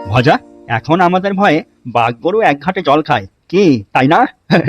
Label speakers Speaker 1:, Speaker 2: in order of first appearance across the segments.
Speaker 1: ভজা, এখন আমাদের ভয়ে বাঘ গরু এক ঘাটে জল খায়, কি তাই না?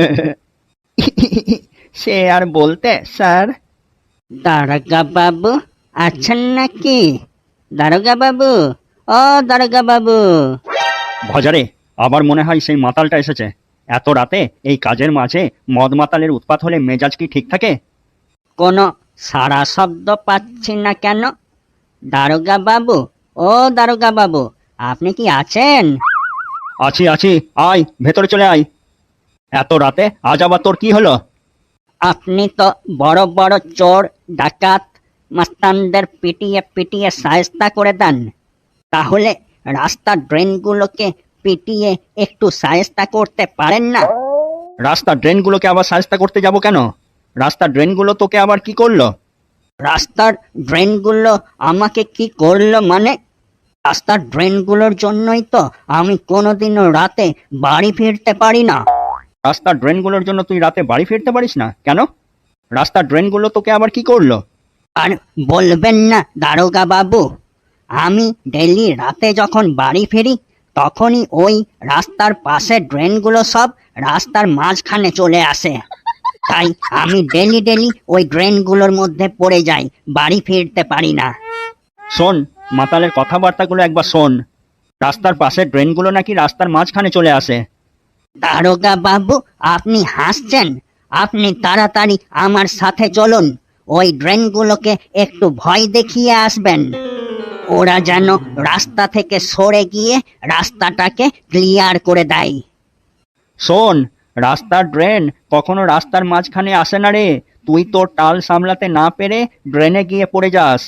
Speaker 1: সে আর বলতে স্যার।
Speaker 2: দারোগা বাবু আছেন নাকি? দারোগা বাবু, ও দারোগা বাবু।
Speaker 1: ভজারে, আবার মনে হয় সেই মাতালটা এসেছে। এত রাতে এই কাজের মাঝে মদ মাতালের উৎপাত হলে মেজাজ কি ঠিক থাকে?
Speaker 2: কোনো সাড়া শব্দ পাচ্ছি না কেন? দারোগা বাবু, ও দারোগা বাবু, আপনি কি আছেন?
Speaker 1: আছি আছি, আয় ভেতরে চলে আয়। এত রাতে আজ আবার তোর কি হলো?
Speaker 2: আপনি তো বড় বড় চোর ডাকাত মাস্তানদের পিটিয়ে পিটিয়ে শায়েস্তা করে দেন, তাহলে রাস্তার ড্রেনগুলোকে পিটিয়ে একটু শায়েস্তা করতে পারেন না?
Speaker 1: রাস্তার ড্রেনগুলোকে আবার সাজতা করতে যাব কেন? রাস্তার ড্রেনগুলো তোকে আবার কি করলো?
Speaker 2: রাস্তার ড্রেনগুলো আমাকে কি করলো মানে? রাস্তার ড্রেনগুলোর জন্যই তো আমি কোনোদিনও রাতে বাড়ি ফিরতে পারি না।
Speaker 1: রাস্তার ড্রেনগুলোর জন্য তুই রাতে বাড়ি ফিরতে পারিস না কেন? রাস্তার ড্রেনগুলো তোকে আবার কি করলো?
Speaker 2: আর বলবেন না দারোগা বাবু, আমি ডেলি রাতে যখন বাড়ি ফিরি তখনই ওই রাস্তার পাশে ড্রেনগুলো সব রাস্তার মাঝখানে চলে আসে। তাই আমি ডেলি ডেলি ওই ড্রেনগুলোর মধ্যে পড়ে যাই, বাড়ি ফিরতে পারি না।
Speaker 1: শোন, মাতালের কথাবার্তাগুলো একবার শোন। রাস্তার পাশে ড্রেনগুলো নাকি রাস্তার মাঝখানে চলে আসে।
Speaker 2: দারোগা বাবু, আপনি হাসছেন? আপনি তাড়াতাড়ি আমার সাথে চলুন, ওই ড্রেনগুলোকে একটু ভয় দেখিয়ে আসবেন। ওরা যেন রাস্তা থেকে সরে গিয়ে রাস্তাটাকে ক্লিয়ার করে দেয়।
Speaker 1: শোন, রাস্তার ড্রেন কখনো রাস্তার মাঝখানে আসে না রে। তুই তোর টাল সামলাতে না পেরে ড্রেনে গিয়ে পড়ে যাস।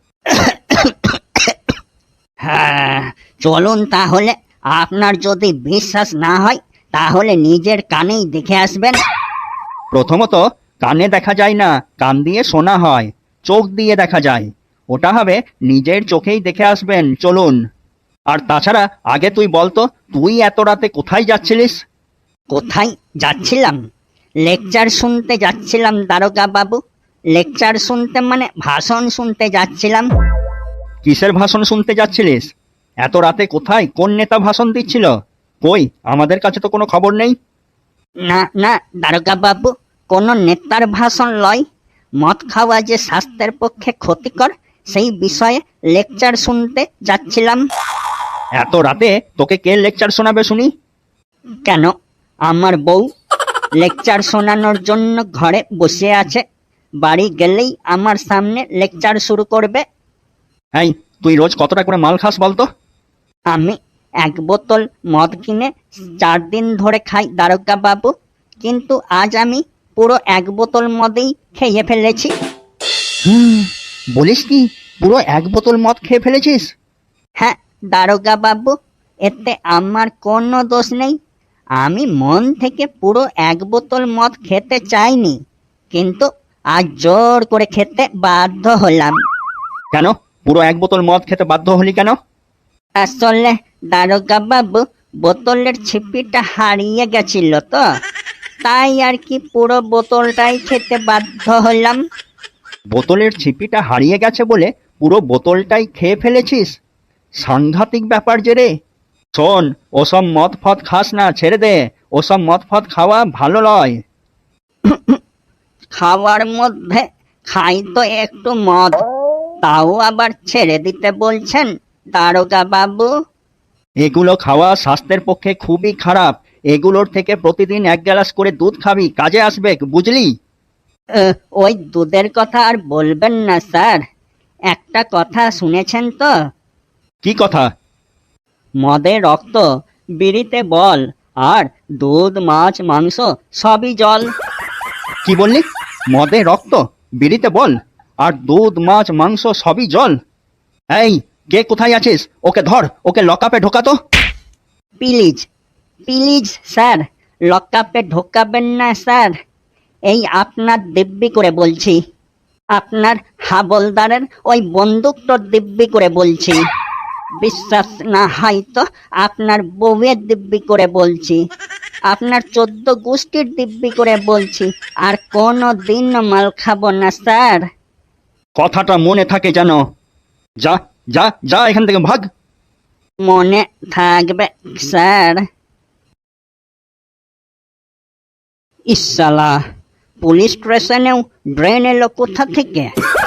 Speaker 2: হ্যাঁ, চলুন তাহলে। আপনার যদি বিশ্বাস না হয় তাহলে নিজের কানেই দেখে আসবেন।
Speaker 1: প্রথমত, কানে দেখা যায় না, কান দিয়ে শোনা হয়। চোখ দিয়ে দেখা যায়। ওটা হবে নিজের চোখেই দেখে আসবেন, চলুন। আর তাছাড়া আগে তুই বলতো, তুই এত রাতে কোথায় যাচ্ছিলিস?
Speaker 2: কোথায় যাচ্ছিলাম? লেকচার শুনতে যাচ্ছিলাম দারোগা বাবু। লেকচার শুনতে মানে ভাষণ শুনতে যাচ্ছিলাম।
Speaker 1: কিসের ভাষণ শুনতে যাচ্ছিলিস? এত রাতে কোথায় কোন নেতা ভাষণ দিচ্ছিল? কই, আমাদের কাছে তো কোনো খবর নেই।
Speaker 2: না না দারোগা বাবু, কোনো নেতার ভাষণ লয়। মদ খাওয়া যে স্বাস্থ্যের পক্ষে ক্ষতিকর সেই বিষয়ে লেকচার শুনতে যাচ্ছিলাম।
Speaker 1: এত রাতে তোকে কে লেকচার শোনাবে শুনি?
Speaker 2: কেন, আমার বউ লেকচার শোনানোর জন্য ঘরে বসে আছে। বাড়ি গেলেই আমার সামনে লেকচার শুরু করবে।
Speaker 1: এই, তুই রোজ কতটা করে মাল খাস বলতো?
Speaker 2: আমি 1 বোতল মদ কিনে 4 দিন ধরে খাই দারোগা বাবু, কিন্তু আজ আমি পুরো 1 বোতল মদেই খেয়ে ফেলেছি।
Speaker 1: বলিস কি, পুরো 1 বোতল মদ খেয়ে ফেলেছিস?
Speaker 2: হ্যাঁ দারোগা বাবু, এতে আমার কোনো দোষ নেই। আমি মন থেকে পুরো 1 বোতল মদ খেতে চাইনি, কিন্তু আজ জোর করে খেতে বাধ্য হলাম।
Speaker 1: কেন পুরো 1 বোতল মদ খেতে বাধ্য হলি কেন?
Speaker 2: আসলে দারোগা বাবু, বোতলের ছিপিটা হারিয়ে গেছিল তো, তাই আর কি পুরো বোতলটাই খেতে বাধ্য হলাম।
Speaker 1: বোতলের ছিপিটা হারিয়ে গেছে বলে পুরো বোতলটাই খেয়ে ফেলেছিস? সাংঘাতিক ব্যাপার যে রে। শোন, ওসব মদ ফদ খাস না, ছেড়ে দে। ওসব মদ ফদ খাওয়া ভালো নয়।
Speaker 2: খাওয়ার মধ্যে খাই তো একটু মদ, তাও আবার ছেড়ে দিতে বলছেন দারোগা বাবু?
Speaker 1: এগুলো খাওয়া স্বাস্থ্যের পক্ষে খুবই খারাপ। এগুলোর থেকে প্রতিদিন 1 গ্লাস করে দুধ খাবি, কাজে আসবে, বুঝলি?
Speaker 2: ওই দুধের কথা আর বলবেন না স্যার। একটা কথা শুনেছেন তো?
Speaker 1: কি কথা?
Speaker 2: মদে রক্ত, বিড়িতে বল, আর দুধ মাছ মাংস সবই জল।
Speaker 1: কি বললি? মদে রক্ত, বিড়িতে বল, আর দুধ মাছ মাংস সবই জল? এই, কে কোথায় আছিস? ওকে ধর, ওকে লকআপে ঢোকা তো।
Speaker 2: প্লিজ প্লিজ স্যার, লকআপে ঢোকাবেন না স্যার। এই আপনার দিব্যি করে বলছি, আপনার হাবলদারের ওই বন্দুকটার দিব্যি করে বলছি। বিশ্বাস না হয় তো আপনার বউয়ের দিব্যি করে বলছি, আপনার 14 গোষ্ঠীর দিব্যি করে বলছি। আর কোনো দিন মাল খাবো না স্যার।
Speaker 1: কথাটা মনে থাকে যেন। যা যা যা, এখান থেকে ভাগ।
Speaker 2: মনে থাকবে স্যার। ইসালা, পুলিশ স্টেশনেও ড্রেন এলো কোথা থেকে?